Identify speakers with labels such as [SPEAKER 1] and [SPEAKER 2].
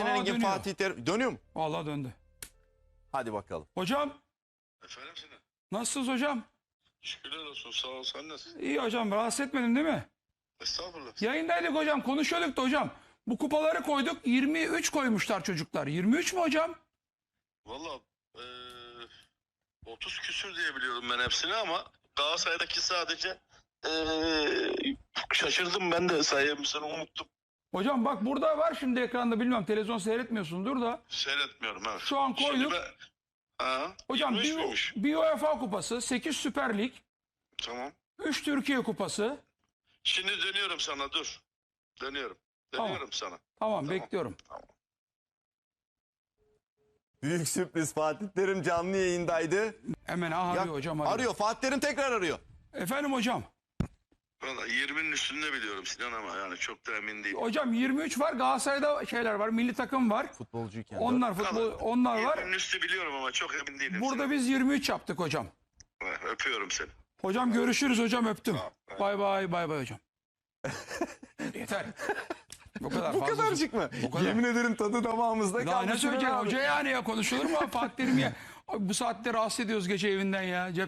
[SPEAKER 1] Engin,
[SPEAKER 2] dönüyor.
[SPEAKER 1] Fatih Terim. Dönüyor mu?
[SPEAKER 2] Vallahi döndü.
[SPEAKER 1] Hadi bakalım.
[SPEAKER 2] Hocam
[SPEAKER 3] Efendim Sinan.
[SPEAKER 2] nasılsınız hocam?
[SPEAKER 3] Şükürler olsun, sağ ol, sen nasılsın?
[SPEAKER 2] İyi hocam, rahatsız etmedim değil mi?
[SPEAKER 3] Estağfurullah.
[SPEAKER 2] Yayındaydık hocam, konuşuyorduk da hocam. Bu kupaları koyduk, 23 koymuşlar çocuklar. 23 mü hocam?
[SPEAKER 3] Valla 30 küsür diye biliyorum ben hepsini ama Galatasaray'daki sadece şaşırdım ben de sayımızını unuttum.
[SPEAKER 2] Hocam bak burada var şimdi ekranda, bilmiyorum televizyon seyretmiyorsundur da.
[SPEAKER 3] Seyretmiyorum evet.
[SPEAKER 2] Şu an koyduk. Hocam
[SPEAKER 3] 23 miymiş?
[SPEAKER 2] bir UEFA kupası, 8 Süper Lig,
[SPEAKER 3] Tamam.
[SPEAKER 2] 3 Türkiye kupası.
[SPEAKER 3] Şimdi dönüyorum sana, dur. Dönüyorum.
[SPEAKER 2] Tamam.
[SPEAKER 3] Dönüyorum sana.
[SPEAKER 2] Tamam, bekliyorum.
[SPEAKER 1] Büyük sürpriz, Fatih Terim canlı yayındaydı.
[SPEAKER 2] Hemen arıyor
[SPEAKER 1] Ya,
[SPEAKER 2] hocam.
[SPEAKER 1] arıyor. Fatih Terim tekrar arıyor.
[SPEAKER 2] Efendim hocam.
[SPEAKER 3] Valla 20'nin üstünde biliyorum Sinan ama yani çok da emin değilim.
[SPEAKER 2] Hocam 23 var, Galatasaray'da şeyler var, milli takım var.
[SPEAKER 1] Futbolcuyken.
[SPEAKER 2] Onlar futbol, onlar var.
[SPEAKER 3] 20'nin üstü biliyorum ama çok emin değilim.
[SPEAKER 2] Burada biz 23 yaptık hocam.
[SPEAKER 3] Sinan. Öpüyorum seni.
[SPEAKER 2] Hocam görüşürüz hocam, öptüm. Bay bay, bay bay hocam. Yeter. Bu kadar
[SPEAKER 1] Bu
[SPEAKER 2] fazla.
[SPEAKER 1] kadarcık mı?
[SPEAKER 2] Bu kadar.
[SPEAKER 1] Yemin ederim tadı damağımızda
[SPEAKER 2] Daha
[SPEAKER 1] kaldı.
[SPEAKER 2] ne söyleyecek
[SPEAKER 1] Sinan abi.
[SPEAKER 2] hoca yani, ya konuşulur mu? Fatih Terim ya. Abi bu saatte rahatsız ediyoruz gece evinden ya.